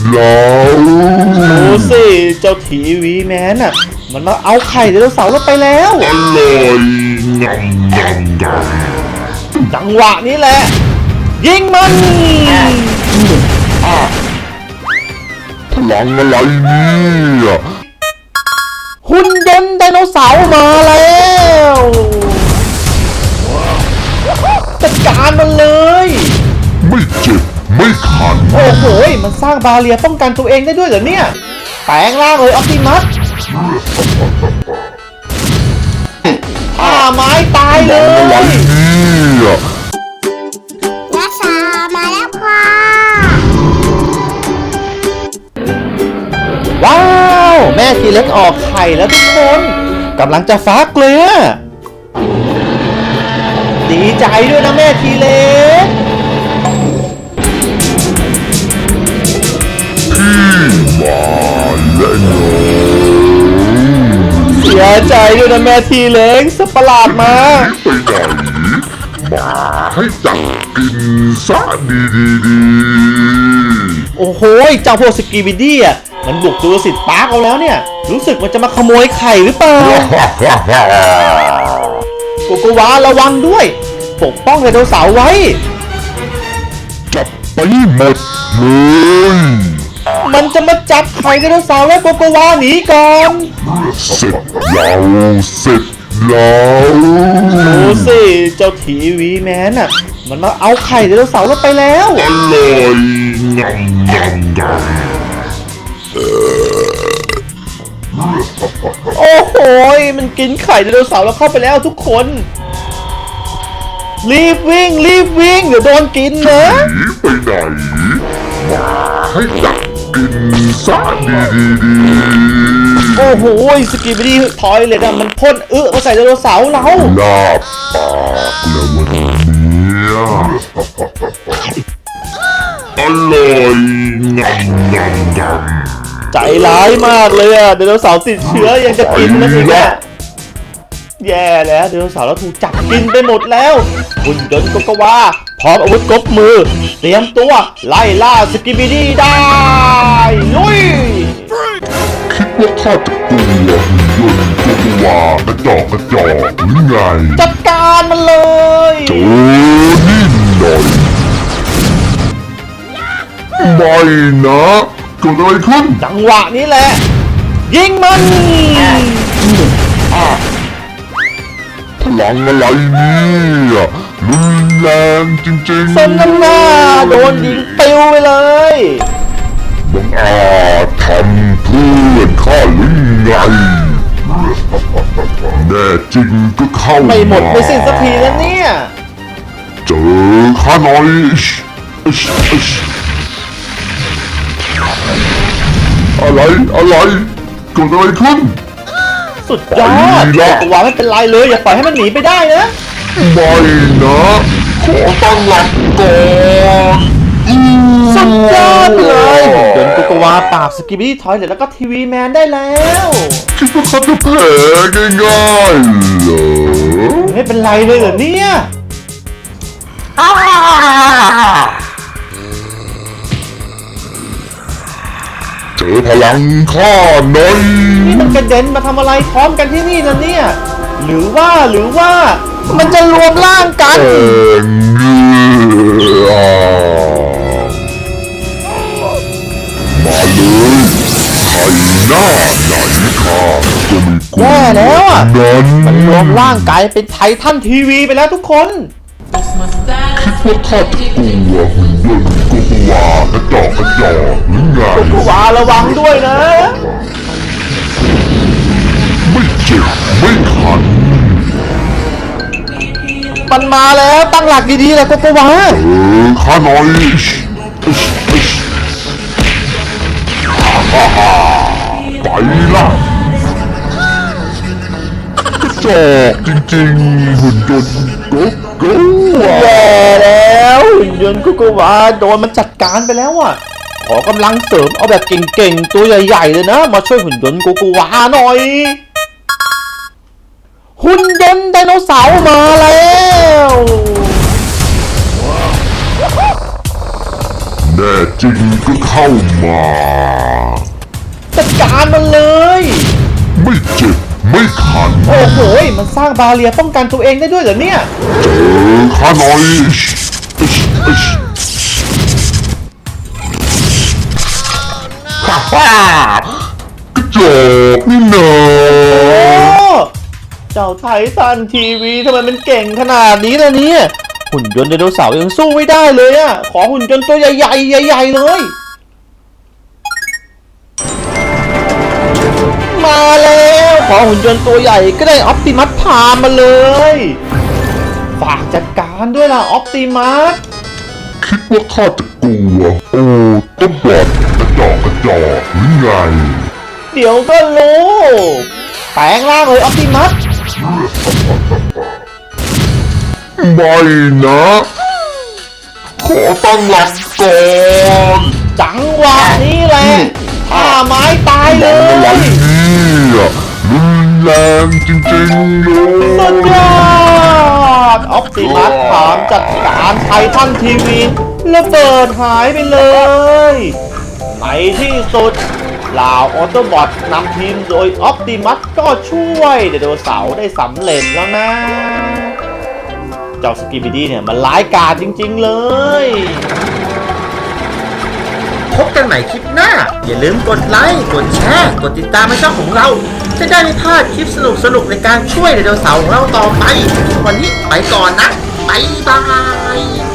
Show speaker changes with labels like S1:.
S1: แล้ว
S2: ดูสิเจ้าทีวีแมนอ่ะมันมาเอาไข่ไดโนเสาร์เราไปแล้ว
S1: อร่อยงำงำงำ
S2: จังหวะนี้แหละยิงมัน
S1: พลังอะไรเนี่ย
S2: หุ่นยนต์ไดโนเสาร์มาแล้วจัดการมันเลย
S1: ไม่เจ็บไม่ขัน
S2: โอ้โหมันสร้างบาเรียป้องกันตัวเองได้ด้วยเหรอเนี่ยแปลงร่างเลยออปติมัสไม้ตายเล
S1: อะไร
S2: ย
S1: เนี่ย
S3: นักษามาแล้วค่ะ
S2: ว้าวแม่ทีเล็กออกไข่แล้วทุกคนกำลังจะฟักเลยอะดีใจด้วยนะแม่ทีเล็ก
S1: มาและโน
S2: เสียใจด้วยนะแม่ทีเล็กสัตว์ประหลาดมา
S1: ไปไหนมาให้จับกินซะดี
S2: โอ้โหเจ้าพวกสกีบิดี้อ่ะมันบุกจูราสสิคพาร์คเอาแล้วเนี่ยรู้สึกมันจะมาขโมยไข่หรือเปล่า
S1: ๆ
S2: โกโกวาระวังด้วยปกป้องไดโนเสาร์ไว้
S1: จับไปหมดเลย
S2: มันจะมาจับไข่ไดโนเสาร์แล้วโกโกวาหนีก่อน
S1: เสร็จแล้วเสร็จแล้ว
S2: ดูสิเจ้าทีวีแมนอ่ะมันมาเอาไข่ไดโนเสาร์เราไปแล้ว
S1: อร่อยงำงำงำ
S2: โอ้โหมันกินไข่ไดโนเสาร์เราเข้าไปแล้วทุกคน รีบวิ่งเดี๋ยวโดนกินนะ
S1: หนีไปไหนมาให้จับกินซะดี
S2: โอ้โหสกีบิดี้ทอยเลยนะมันพ่นมาใส่ไดโนเสาร์เรา
S1: ๆลาบปากแล้ววันนี้อร่อยงำงำงำ
S2: ใจร้ายมากเลยอะไดโนเสาร์ติดเชื้อยังจะกินมันอีกอะแย่แล้วไดโนเสาร์เราถูกจับกินไปหมดแล้วหุ่นยนต์โกโกวาพร้อมอาวุธครบมือเตรียมตัวไล่ล่าสกีบิดี้ได้ลุย
S1: คิดว่าข้าจะกลัวหุ่นยนต์ตัววากระจอกหรือไง
S2: จัดการมันเลย
S1: เจอนี่หน่อยไม่นะเกิดอะไรขึ้น
S2: จังหวะนี้แหละยิงมัน
S1: พลังอะไรเนี่ยรุนแรงจริงๆ
S2: สมน้ำหน้าโดนยิงปิวไปเลย
S1: บังอาจทำเพื่อนข้าหรือไงแน่จริงก็เข้า
S2: ไม่หมดไม่สิ้นสักทีแล้วเนี่ย
S1: เจอข้าหน่อยอะไรเกิดอะไรขึ้น
S2: สุดยอด
S1: ไปละ
S2: ตัวไม่เป็นไรเลยอย่าปล่อยให้มันหนีไปได้นะ
S1: ไม่นะขอตั้งหลักก่อน
S2: สุดยอดเลยเดินโกโกวาปราบสกิบบี้ทอยเลทแล้วก็ทีวีแมนได้แล้ว
S1: คิดว่าเขาจะแพ้ง่ายๆเหรอ
S2: ไม่เป็นไรเลยเหรอเนี่ย
S1: เจอพลังข้าหน่อย
S2: นี่มันกระเด็นมาทำอะไรพร้อมกันที่นี่นะเนี่ย หรือว่ามันจะรวมร่างกัน
S1: เงือมาเลยใครหน้าไหนข้าก็ไม่กลัว
S2: แย่แล้วอะ
S1: นั้น
S2: มันรวมร่างกายเป็นไททันทีวีไปแล้วทุกคน
S1: คิดว่าข้าจะกลัวหุ่นยนต์ก็กลัวกระจอกหรือไง
S2: โกโกวาระวังด้วยนะ
S1: ไม่เจ็บไม่ขัน
S2: มันมาแล้วตั้งหลักดีๆเลยโกโกวา
S1: ข้าหน่อยไปละกระจอกจริงๆหุ่นยนต์ก็
S2: แย่แล้วหุ่นยนต์โกโกวาโดนมันจัดการไปแล้วอ่ะขอกำลังเสริมเอาแบบเก่งๆตัวใหญ่ๆเลยนะมาช่วยหุ่นยนต์โกโกวาหน่อยหุ่นยนต์ไดโนเสาร์มาแล้ว
S1: มแน่จริงก็เข้ามา
S2: จัดการมันเลย
S1: ไม่เจ็บไม่คัน
S2: โอ้โหมันสร้างบาเรียป้องกันตัวเองได้ด้วยเหรอเนี่ย
S1: เจอข้าหน่อยฮ่าฮ่ากระจอกนี่เนอ
S2: โอ้เจ้าไททันทีวีทำไมมันเก่งขนาดนี้ล่ะเนี่ยหุ่นยนต์ไดโนเสาร์ยังสู้ไม่ได้เลยอะขอหุ่นยนต์ตัวใหญ่ๆใหญ่ๆเลยมาแล้วขอหุ่นยนต์ตัวใหญ่ก็ได้ออปติมัสพามาเลยฝากจัดการด้วยล่ะออปติมัส
S1: คิดว่าข้าจะกลัวโอ้ต้นบอดกระจอกหรือไง
S2: เดี๋ยวก็รู้แปลงร่างเลยออปติมัส
S1: ไม่นะ ขอตั้งหลักก่อน
S2: จังหวะนี้แหละท่าไม้ตายเล
S1: อะไร
S2: ย
S1: เนี่ยรุนแรงจริงๆเล
S2: สุดย
S1: ย
S2: อดออปติมัสถามจัดการไททันทีวีระเบิดหายไปเลยในที่สุดเหล่าออโตบอทนำทีมโดยออปติมัสก็ช่วยไดโนเสาร์ได้สำเร็จแล้วนะ เจ้าสกิบิดี้เนี่ยมันร้ายกาจจริงๆเลย
S4: พบกันใหม่คลิปหน้า อย่าลืมกดไลค์ กดแชร์ กดติดตามให้ช่องของเรา จะได้ไม่พลาดคลิปสนุกๆในการช่วยไดโนเสาร์ของเราต่อไป วันนี้ไปก่อนนะ บ๊ายบาย